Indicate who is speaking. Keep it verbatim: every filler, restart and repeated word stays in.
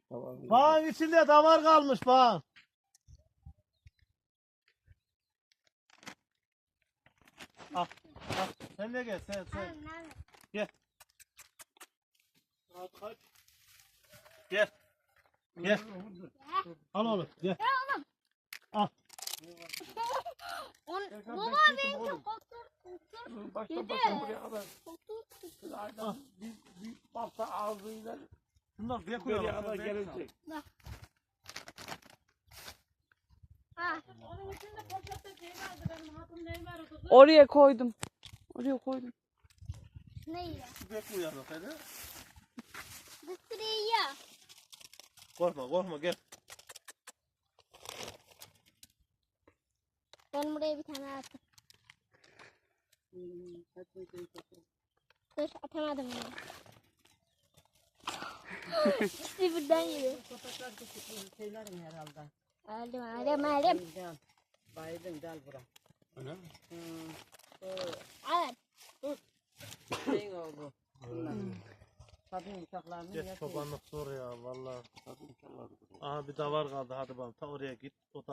Speaker 1: Bağın içinde davar kalmış bağın. Al, al. Sen de gel, sen, sen. Gel. Gel. Gel. Al oğlum, gel. Al.
Speaker 2: Baba benimki kotur.
Speaker 3: Başta başta buraya kadar. Aynen bir, bir balta ağzıyla
Speaker 1: Bunlar bir
Speaker 3: buraya
Speaker 1: koyalım.
Speaker 3: kadar gelecek.
Speaker 2: Onun içinde poşette şey vardı, benim hatun neyi var o kızı?
Speaker 4: Oraya koydum. Oraya koydum.
Speaker 2: Ne yiyor?
Speaker 1: Bir koyalım hadi.
Speaker 2: Bir sürü yiyor.
Speaker 1: Korkma, korkma gel.
Speaker 2: Ben buraya bir tane attım. Dur atamadım bunu. İkisi birden yiyor.
Speaker 5: Köpekler küçük şeylerin herhalde.
Speaker 2: Aldım aldım aldım.
Speaker 5: Gel. Baydın gel bura.
Speaker 1: Öyle mi?
Speaker 5: Hmm.
Speaker 2: Evet.
Speaker 5: Şeyin oldu. Bunlar. Kadın bıçaklarını
Speaker 1: Geç çobanlık zor ya vallahi. Aha bir davar kaldı hadi bakalım ta oraya git. O